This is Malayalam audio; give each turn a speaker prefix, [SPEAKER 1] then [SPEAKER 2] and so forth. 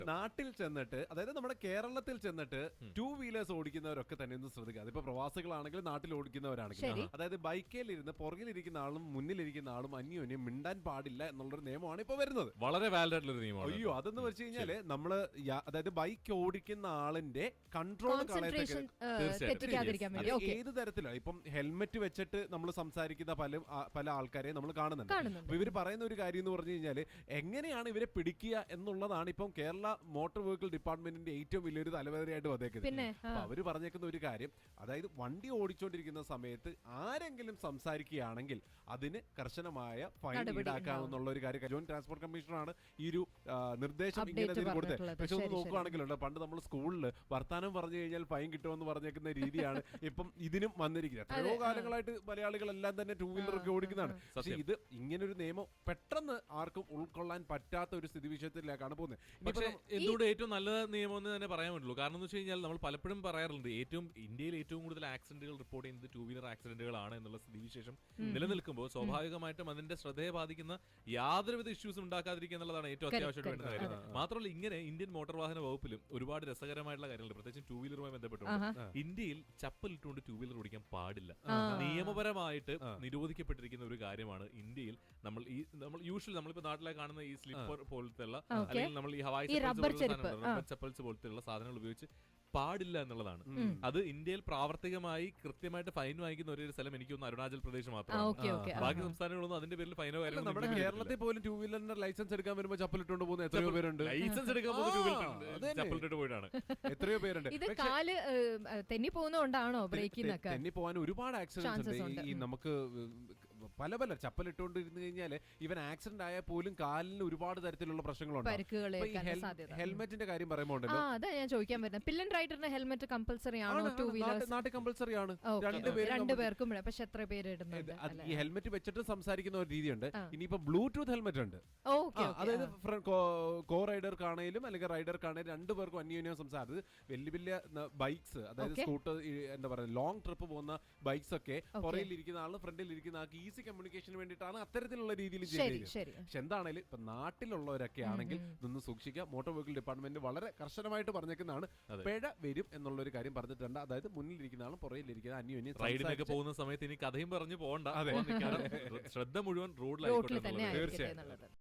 [SPEAKER 1] നാട്ടിൽ ചെന്നിട്ട്, അതായത് നമ്മുടെ കേരളത്തിൽ ചെന്നിട്ട് ടൂ വീലേഴ്സ് ഓടിക്കുന്നവരൊക്കെ തന്നെ ഒന്ന് ശ്രദ്ധിക്കുക. അതിപ്പോ പ്രവാസികളാണെങ്കിലും നാട്ടിൽ ഓടിക്കുന്നവരാണെങ്കിലും, അതായത് ബൈക്കേലിരുന്ന് പുറകിലിരിക്കുന്ന ആളും മുന്നിലിരിക്കുന്ന ആളും അന്യോന്യം മിണ്ടാൻ പാടില്ല എന്നുള്ളൊരു നിയമമാണ് ഇപ്പൊ വരുന്നത്.
[SPEAKER 2] വളരെ വാലിഡ് ആയിട്ടുള്ള ഒരു നിയമമാണ്.
[SPEAKER 1] അയ്യോ, അതെന്ന് വെച്ച് കഴിഞ്ഞാല് നമ്മള് അതായത് ബൈക്ക് ഓടിക്കുന്ന ആളിന്റെ കൺട്രോൾ ഏത് തരത്തിലാണ്. ഇപ്പം ഹെൽമെറ്റ് വെച്ചിട്ട് നമ്മൾ സംസാരിക്കുന്ന പല ആൾക്കാരെയും നമ്മൾ കാണുന്നുണ്ട്. അപ്പൊ ഇവര് പറയുന്ന ഒരു കാര്യം എന്ന് പറഞ്ഞു കഴിഞ്ഞാല്, എങ്ങനെയാണ് ഇവരെ പിടിക്കുക എന്നുള്ളതാണ് ഇപ്പം കേരള മോട്ടോർ വെഹിക്കിൾ ഡിപ്പാർട്ട്മെന്റിന്റെ ഏറ്റവും വലിയൊരു തലവേദനയായിട്ട് വന്നേക്കുന്നത്. അപ്പൊ അവര് പറഞ്ഞേക്കുന്ന ഒരു കാര്യം, അതായത് വണ്ടി ഓടിച്ചുകൊണ്ടിരിക്കുന്ന സമയത്ത് ആരെങ്കിലും സംസാരിക്കുകയാണെങ്കിൽ അതിന് കർശനമായ ഫൈൻ ഈടാക്കാമെന്നുള്ള ഒരു കാര്യം ജോയിന്റ് ട്രാൻസ്പോർട്ട് കമ്മീഷണറാണ് ഈ ഒരു നിർദ്ദേശം ഇങ്ങനെ കൊടുത്തത്. പക്ഷെ ഒന്ന് നോക്കുകയാണെങ്കിലുണ്ട്, പണ്ട് നമ്മൾ സ്കൂളിൽ വർത്താനം പറഞ്ഞു കഴിഞ്ഞാൽ ഫൈൻ കിട്ടുമെന്ന് പറഞ്ഞേക്കുന്ന രീതിയാണ് ഇപ്പം ഇതിനും വന്നിരിക്കുന്നത്. എത്രയോ കാലങ്ങളായിട്ട് മലയാളികളെല്ലാം തന്നെ ടൂ വീലർ ഒക്കെ ഓടിക്കുന്നതാണ്. പക്ഷെ ഇത് ഇങ്ങനൊരു നിയമം പെട്ടെന്ന് ആർക്കും ഉൾക്കൊള്ളാൻ പറ്റാത്ത ഒരു സ്ഥിതിവിശേഷത്തിലേക്കാണ് പോകുന്നത്.
[SPEAKER 2] പക്ഷേ എന്തുകൊണ്ട് ഏറ്റവും നല്ല നിയമം എന്ന് തന്നെ പറയാൻ പറ്റുള്ളൂ. കാരണം എന്ന് വെച്ച് കഴിഞ്ഞാൽ നമ്മൾ പലപ്പോഴും പറയാറുണ്ട്, ഇന്ത്യയിൽ ഏറ്റവും കൂടുതൽ ആക്സിഡന്റുകൾ റിപ്പോർട്ട് ചെയ്യുന്നത് ടൂ വീലർ ആക്സിഡന്റുകളാണ് എന്നുള്ള സ്ഥിതിവിശേഷം നിലനിൽക്കുമ്പോൾ സ്വാഭാവികമായിട്ടും അതിന്റെ ശ്രദ്ധയെ ബാധിക്കുന്ന യാതൊരുവിധ ഇഷ്യൂസും ഉണ്ടാക്കാതിരിക്കുക എന്നുള്ളതാണ് ഏറ്റവും അത്യാവശ്യമായിട്ട് വേണ്ട കാര്യം. മാത്രമല്ല, ഇങ്ങനെ ഇന്ത്യൻ മോട്ടോർ വാഹന വകുപ്പിലും ഒരുപാട് രസകരമായിട്ടുള്ള കാര്യങ്ങളുണ്ട്, പ്രത്യേകിച്ച് ടൂ വീലറുമായി ബന്ധപ്പെട്ടുകൊണ്ട്. ഇന്ത്യയിൽ ചപ്പൽ ഇട്ടുകൊണ്ട് ടൂ വീലർ ഓടിക്കാൻ പാടില്ല. നിയമപരമായിട്ട് നിരോധിക്കപ്പെട്ടിരിക്കുന്ന ഒരു കാര്യമാണ് ഇതിൽ നമ്മൾ യൂഷ്വലി നമ്മളിപ്പോ നാട്ടിലെ കാണുന്ന ഈ സ്ലിപ്പർ പോലത്തെ അല്ലെങ്കിൽ നമ്മൾ ഈ ഹവായി ചപ്പൽസ് പോലത്തെ സാധനങ്ങൾ ഉപയോഗിച്ച് പാടില്ല എന്നുള്ളതാണ്. അത് ഇന്ത്യയിൽ പ്രാവർത്തികമായി കൃത്യമായിട്ട് ഫൈൻ വാങ്ങിക്കുന്ന ഒരു സ്ഥലം എനിക്ക് തോന്നുന്നു അരുണാചൽ പ്രദേശ് മാത്രമാണ്. ബാക്കി സംസ്ഥാനങ്ങളൊന്നും അതിന്റെ പേരിൽ ഫൈനോ കാര്യങ്ങളോ.
[SPEAKER 1] നമ്മുടെ കേരളത്തിൽ പോലും ടൂ വീലറിന്റെ ലൈസൻസ് എടുക്കാൻ വരുമ്പോൾ ചപ്പലിട്ടുകൊണ്ട് പോകുന്ന എത്രയോ പേരുണ്ട്.
[SPEAKER 2] ലൈസൻസ് എടുക്കാൻ ചപ്പലിട്ട് പോയിട്ടാണ്
[SPEAKER 1] എത്രയോ പേരുണ്ട്.
[SPEAKER 3] ഇത് കാല് തെന്നി പോകുന്നതുകൊണ്ടാണോ ബ്രേക്കിനൊക്കെ?
[SPEAKER 1] തെന്നി പോകാൻ ഒരുപാട് ആക്സിഡൻസ് ഉണ്ട്. ഈ നമുക്ക് പല ചപ്പലിട്ടുകൊണ്ടിരുന്നു കഴിഞ്ഞാൽ ഇവൻ ആക്സിഡന്റ് ആയാൽ പോലും കാലിന് ഒരുപാട് തരത്തിലുള്ള പ്രശ്നങ്ങളുണ്ട്. ഹെൽമെറ്റിന്റെ കാര്യം പറയുമ്പോൾ
[SPEAKER 3] അതാ ഞാൻ ചോദിക്കാൻ വരുന്നത്, പില്ലൻ റൈഡറിന് ഹെൽമെറ്റ് കമ്പൽസറി ആണോ? ടൂ വീലേഴ്സ്
[SPEAKER 1] നാട്ടിൽ കമ്പൽസറി ആണ്
[SPEAKER 3] രണ്ടുപേർക്കും. പക്ഷെ എത്ര പേര് ഇടുന്നുണ്ട്?
[SPEAKER 1] ഈ ഹെൽമെറ്റ് വെച്ചിട്ട് സംസാരിക്കുന്ന ഒരു രീതിയുണ്ട്. ഇനിയിപ്പോ ബ്ലൂടൂത്ത് ഹെൽമെറ്റ് ഉണ്ട്. അതായത് കോ റൈഡർക്കാണേലും അല്ലെങ്കിൽ റൈഡർക്കാണേലും രണ്ടുപേർക്കും അന്യോന്യം സംസാരിച്ചത്. വലിയ വലിയ ബൈക്സ്, അതായത് സ്കൂട്ടർ, എന്താ പറയുക, ലോങ് ട്രിപ്പ് പോകുന്ന ബൈക്സ് ഒക്കെ പുറകിലിരിക്കുന്ന ആള് ഫ്രണ്ടിലിരിക്കുന്ന ആൾക്ക് ഈസി കമ്മ്യൂണിക്കേഷന് വേണ്ടിയിട്ടാണ് അത്തരത്തിലുള്ള രീതിയിൽ ചെയ്യുന്നത്. പക്ഷെ എന്താണേലും ഇപ്പൊ നാട്ടിലുള്ളവരൊക്കെ ആണെങ്കിൽ നിന്ന് സൂക്ഷിക്കുക. മോട്ടോർ വെഹിക്കിൾ ഡിപ്പാർട്ട്മെന്റ് വളരെ കർശനമായിട്ട് പറഞ്ഞേക്കുന്നതാണ്. പിഴ വരും എന്നുള്ള ഒരു കാര്യം പറഞ്ഞിട്ടുണ്ട്. അതായത് മുന്നിലിരിക്കുന്ന ആളും പുറകിലിരിക്കുന്ന അന്യോന്യം
[SPEAKER 2] റൈഡിനൊക്കെ പോകുന്ന സമയത്ത് ഇനി കഥയും പറഞ്ഞു പോകണ്ട. ശ്രദ്ധ മുഴുവൻ റോഡിലായിക്കോട്ടെ.
[SPEAKER 1] തീർച്ചയായും.